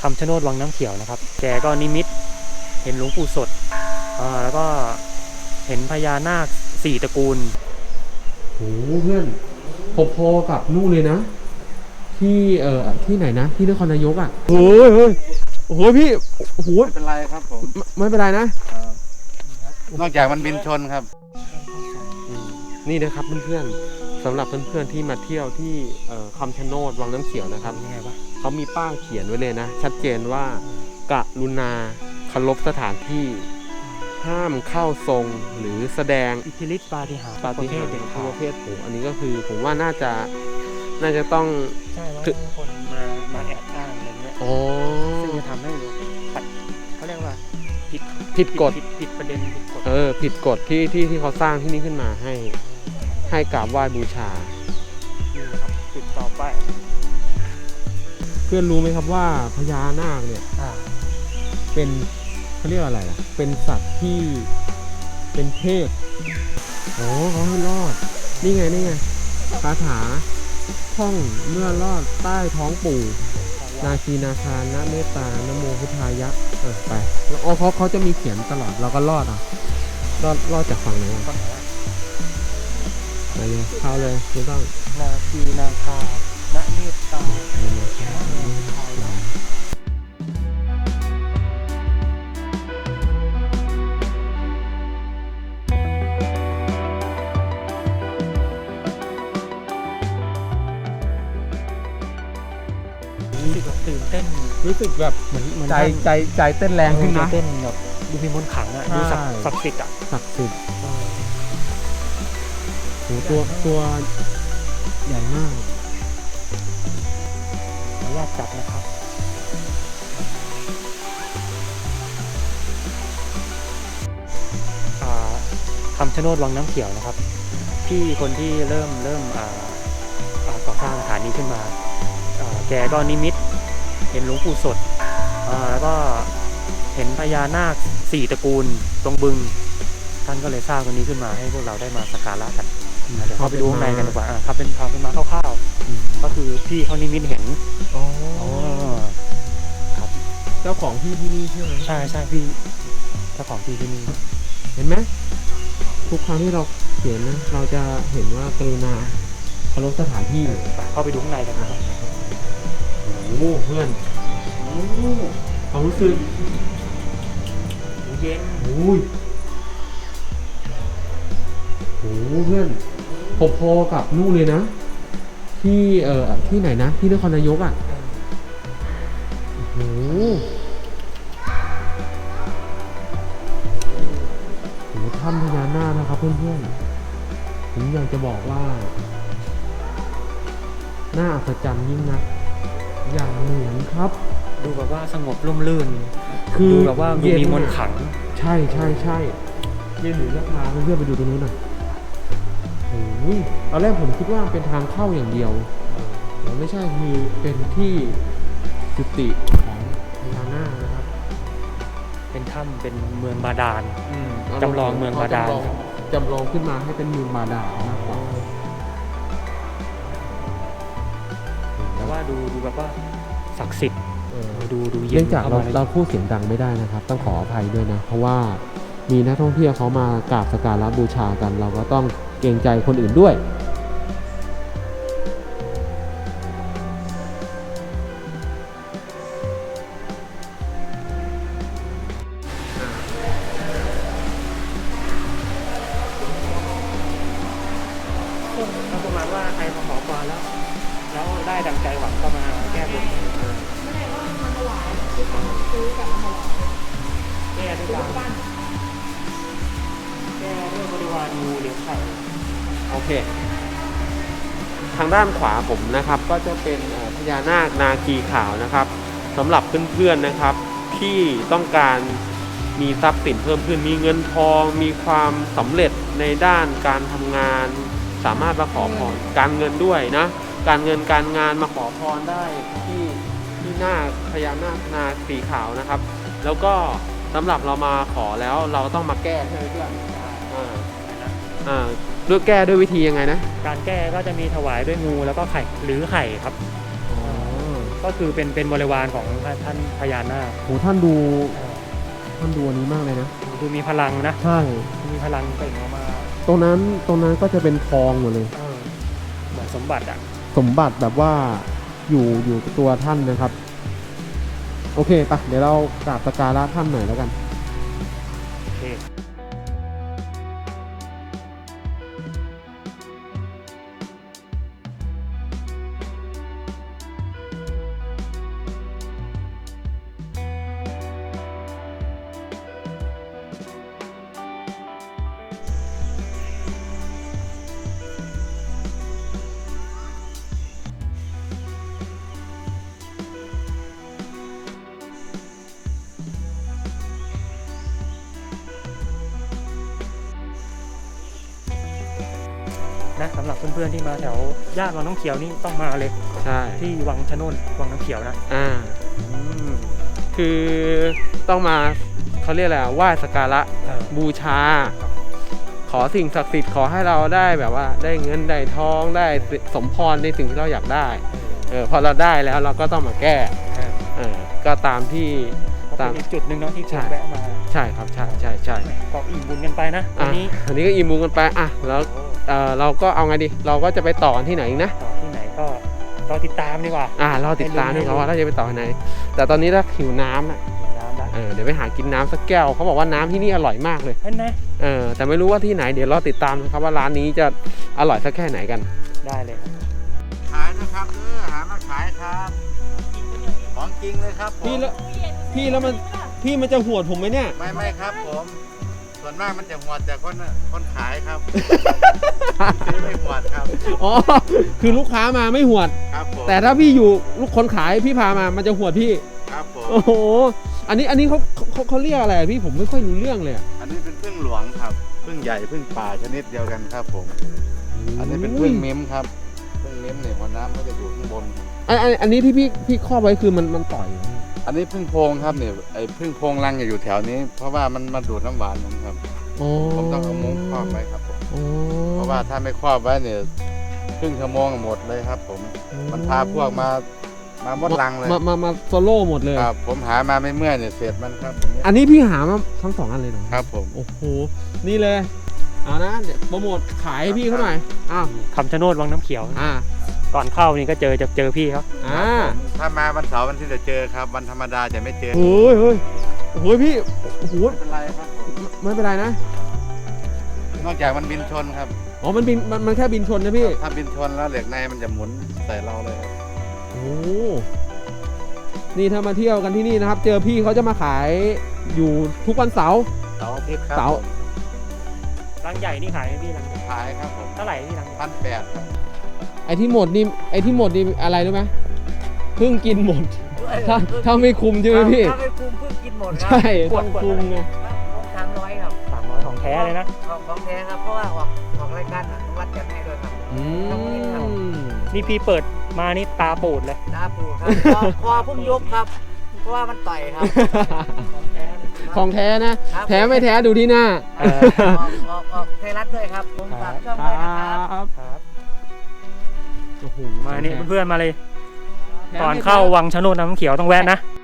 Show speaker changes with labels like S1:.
S1: ำชะโนดวังน้ำเขียวนะครับแกก็นิมิตเห็นหลวงปู่สดแล้วก็เห็นพญานาค4ตระกูล
S2: โอ้เพื่อนพอๆกับนู่นเลยนะที่ที่ไหนนะที่นครนายกอ่ะโอ้ยโอ้โหพี่โอ้โห
S3: ไม่เป็นไรครับผม
S2: ไม่เป็นไรนะ
S3: นอกจากมันบินชนครับ
S2: นี่นะครับเพื่อนๆสำหรับเพื่อนๆที่มาเที่ยวที่คำชะโนดวังน้ำเขียวนะครับ
S1: ยังไงวะ
S2: เขามีป้ายเขียนไว้เลยนะชัดเจนว่ากรุณาเคารพสถานที่ห้ามเข้าทรงหรือแสดง
S1: อิทธิฤทธิปาฏิหาริย์
S2: ประเภท
S1: เด็กขา
S2: ประเภทโอ้อันนี้ก็คือผมว่าน่าจะต้อง
S1: ใช่แล้วคนมาแอบอ้างอะไรเงี้ยซึ่งจะทำให้ขัดเขาเรียกว่าผิดกฎผิดประเด็นผิดกฎ
S2: ผิดกฎที่เขาสร้างที่นี่ขึ้นมาให้กราบไหว้บูชา
S1: นี่ครับจุดต่อไป
S2: เพื่อนรู้ไหมครับว่าพญานาคเนี่ยเป็นเขาเรียกอะไรล่ะเป็นสัตว์ที่เป็นเทพเขาให้รอดนี่ไงคาถาท่องเมื่อรอดใต้ท้องปู่นาคีนาคานะเมตตานโมพุทธายะไปเขาจะมีเขียนตลอดเราก็รอดรอดจากฝั่งไหนไปเลยเข้าเลยไม่ต้อง
S1: นาคีนาคานะเมตตาตื่นเต้น
S2: รู้สึกแบบเหมือนใจเต้นแรงขึ้นนะ
S1: เต้นแบบดูมีมนต์ขลังอ่ะดูศักดิ์สิทธิ์อ่ะ
S2: ศักดิ์สิทธิ์โหตัวใหญ่มาก
S1: ขออนุญาตจับนะครับคำชะโนดวังน้ำเขียวนะครับพี่คนที่เริ่มก่อสร้างสถานีขึ้นมาแกก็นิมิตเห็นหลวงปู่สดแล้วก็เห็นพญานาค4ตระกูลตรงบึงท่านก็เลยสร้างตัวนี้ขึ้นมาให้พวกเราได้มาสักการะกันเดี๋ยวเข้าไปดูข้างในกันดีกว่าครับเป็นมาคร่าวๆก็คือพี่เขานิมิตเห็น
S2: ครับเจ้าของที่นี่ใช่ไหม
S1: ใช่พี่เจ้าของที่นี่
S2: เห็นไหมทุกครั้งที่เราเขียนนะเราจะเห็นว่ากรุณาเคารพสถานที่
S1: เข้าไปดูข้างในกันนะครับ
S2: โอ้เพื่อนความรู้สึก
S1: เย็น
S2: โอ้เพื่อนพอๆกับนู่นเลยนะที่ที่ไหนนะที่นครนายกอ่ะโอ้โหถ้ำพญานาคนะครับเพื่อนๆผมอยากจะบอกว่าน่าอัศจรรย์ยิ่งนักอย่างเหมือนครับ
S1: ดูแบบว่าสงบร่มรื่นคือดูแบบว่ามีมนต์ขลัง
S2: ใช่ยืนหรือจะพาเพื่อนไปดูตรงนู้นหน่อยโอ้ยตอนแรกผมคิดว่าเป็นทางเข้าอย่างเดียวแต่ไม่ใช่คือเป็นที่จุติของพญานาคนะครับ
S1: เป็นถ้ำเป็นเมืองบาดาลจำลองเมืองบาดาล
S2: จำลองขึ้นมาให้เป็นเมืองบาดาลมากกว่า
S1: แต่ว่าดูแบบว่าศักดิ์สิทธิ์ดูเย็น
S2: เนื่องจากเราพูดเสียงดังไม่ได้นะครับต้องขออภัยด้วยนะเพราะว่ามีนักท่องเที่ยวเขามากราบสักการะบูชากันเราก็ต้องเกรงใจคนอื่นด้วย
S1: ประมาณว่าใครมาขอพรแล้วได้ดังใจหวังก็มาแก้บนไม่ได้ว่ามาถวายซื้อกับมาถวายแก้ด้วยกันแก้ด้วยบริวารงูเหลือมไข่
S2: โอเคทางด้านขวาผมนะครับก็จะเป็นพญานาคนาคีขาวนะครับสำหรับเพื่อนๆนะครับที่ต้องการมีทรัพย์สินเพิ่มขึ้นมีเงินทองมีความสำเร็จในด้านการทำงานสามารถมาขอพรการเงินด้วยนะการเงินการงานมาขอพรได้ที่หน้าพญานาคนาคีขาวนะครับแล้วก็สำหรับเรามาขอแล้วเราต้องมาแก้ใช่ไหมเพื่อนด้วยแก้ด้วยวิธียังไงนะ
S1: การแก้ก็จะมีถวายด้วยงูแล้วก็ไข่หรือไข่ครับก็คือเป็นบริวารของท่านพญานาค
S2: โหท่านดู
S1: เออ
S2: ท่านดูอันนี้มากเลยนะ
S1: ดูมีพลังนะ
S2: ใช่
S1: มีพลังเปล่งออกมา
S2: ตรงนั้นก็จะเป็นทองหมดเลย
S1: เออเหมือนสมบัติอ่ะ
S2: สมบัติแบบว่าอยู่กับตัวท่านนะครับ โอเคปะเดี๋ยวเรากราบสักการะท่านหน่อยแล้วกัน
S1: โอเคนะสำหรับเพื่อนๆที่มาแถวย่านวังน้ำเขียวนี่ต้องมาเลย
S2: ใช่
S1: ที่วังชะโนดวังน้ำเขียวนะ อืม
S2: คือต้องมาเขาเรียกอะไรไหว้สักการะ
S1: เออ
S2: บูชา ขอสิ่งศักดิ์สิทธิ์ขอให้เราได้แบบว่าได้เงินได้ทองได้สมพรในสิ่งที่เราอยากได้พอเราได้แล้วเราก็ต้องมาแก้ ก็ตามที่
S1: ก็เป็นอีกจุดหนึ่งเนาะที่คนแวะมา
S2: ใช่ครับใช่
S1: ก็อิ่มบุญกันไปนะวันนี้
S2: อันนี้ก็อิ่มบุญกันไปแล้วเราก็เอาไงดีเราก็จะไปต่อที่ไหนอีกนะ
S1: ต่อที่ไหนก็รอติดตามดีกว่า
S2: เราติดตามด้วยครับว่าเราจะไปต่อที่ไหน แต่ตอนนี้ถ้าหิวน้ำอ่ะ
S1: ดื่มน้ำได้
S2: เดี๋ยวไปหากินน้ำสักแก้วเขาบอกว่าน้ำที่นี่อร่อยมากเลย
S1: เห็นไหม
S2: แต่ไม่รู้ว่าที่ไหนเดี๋ยวรอติดตามนะครับว่าร้านนี้จะอร่อยสักแค่ไหนกัน
S1: ได้เลยครับ
S3: ขายนะครับหามาขายครับของจริงเลยครับผม
S2: พี่แล้วมันจะหวดผมไหมเนี่ย
S3: ไม่ครับผม ส่วนมากมันจะหวดแต่คนขายครับ ซื้อไม่หวดครับ
S2: อ๋อคือลูกค้ามาไม่หวด
S3: ครับผม
S2: แต่ถ้าพี่อยู่ลูกคนขายพี่พามามันจะหวดพี่
S3: ครับผม
S2: โอ้โหอันนี้เขาเรียกอะไรพี่ผมไม่ค่อยรู้เรื่องเลยอะ
S3: อันนี้เป็นพึ่งหลวงครับพึ่งใหญ่พึ่งป่าชนิดเดียวกันครับผม อันนี้เป็นพึ่งเม้มครับพึ่งเม้มเนี่ยหัวน้ำก็จะอยู่ข้างบนครับ
S2: อันนี้ที่พี่ครอบไว้คือมันต่อยเหรอ
S3: อันนี้พึ่งโพงครับเนี่ยไอ้พึ่งโพงรังอยู่แถวนี้ เพราะว่ามันมาดูดน้ำหวานผมครับ
S2: อ๋อ
S3: ผมต้องเอามุ้งครอบไว้ครับผม
S2: อ๋อ
S3: เพราะว่าถ้าไม่ครอบไว้เนี่ยครึ่งชั่วโมงหมดเลยครับผม มันพาพวกมาหมดรังเลย
S2: มาโซโล่หมดเลย
S3: ครับผมหามาไม่เมื่อยเนี่ยเสร็จมันครับผมเนี่ย
S2: อันนี้พี่หามาทั้ง2อันเลยเหรอ
S3: ครับผม
S2: โอ้โหนี่เลยเอานะเดี๋ยวโปรโมทขายให้พี่เขาหน่อยอ้าว
S1: คำชะโนดวังน้ำเขียว ก่อนเข้านี่ก็เจอพี่เขา
S3: ถ้ามาวันเสาร์วันที่จะเจอครับ วันธรรมดาจะไม่เจอ
S2: โอ้ยพี่โอ้โห
S3: ไม่เป็นไรครับผม
S2: ไม่เป็นไรนะ
S3: นอกจากมันบินชนครับ
S2: อ๋อมันแค่บินชนนะพี่
S3: ถ้าบินชนแล้วเหล็กในมันจะหมุนใส่เราเลยครับ
S2: โอ้นี่ถ้ามาเที่ยวกันที่นี่นะครับ เจอพี่เขาจะมาขายอยู่ทุกวันเสาร์
S3: เสาร์อาทิตย์ครับ
S2: เสาร์
S3: ผม
S1: รังใหญ่นี่ขายไหมพี่รังใหญ่
S3: ขายครับผม
S1: เท่าไหร่พี่รัง
S3: 1,800ครับ
S2: ไอ้ที่หมดนี่อะไรรู้ไหมเพิ่งกินหมด ถ้าไม่คุมใช่ไหมพี่
S4: ถ้าไม่คุมเพิ่งกินหมดครั
S2: ใช่ต้องคุมไง
S4: 300ครับ
S1: 300ของแท้เลยนะ
S4: ของแท้ครับ เพราะว่าออกรายการวัดจัดให้ด้วยครับ
S1: นี่พี่เปิดมานี่ตาปูดเลย
S4: ตาปูครับคอเพิ่งยกครับ เพราะว่ามันต่อยครับ
S1: ของแท้เลย
S2: ของแท้นะ
S4: ครับ
S2: แท้ไม่แท้ดูที่หน้า
S1: เออ
S4: ออกไทยรัฐด้วยครับ ผมฝากช่องด้วยนะครับ
S1: ครับ
S2: โอ้โห
S1: มานี่เพื่อนๆมาเลย ก่อนเข้าวังชะโนดน้ำเขียวต้องแวะนะ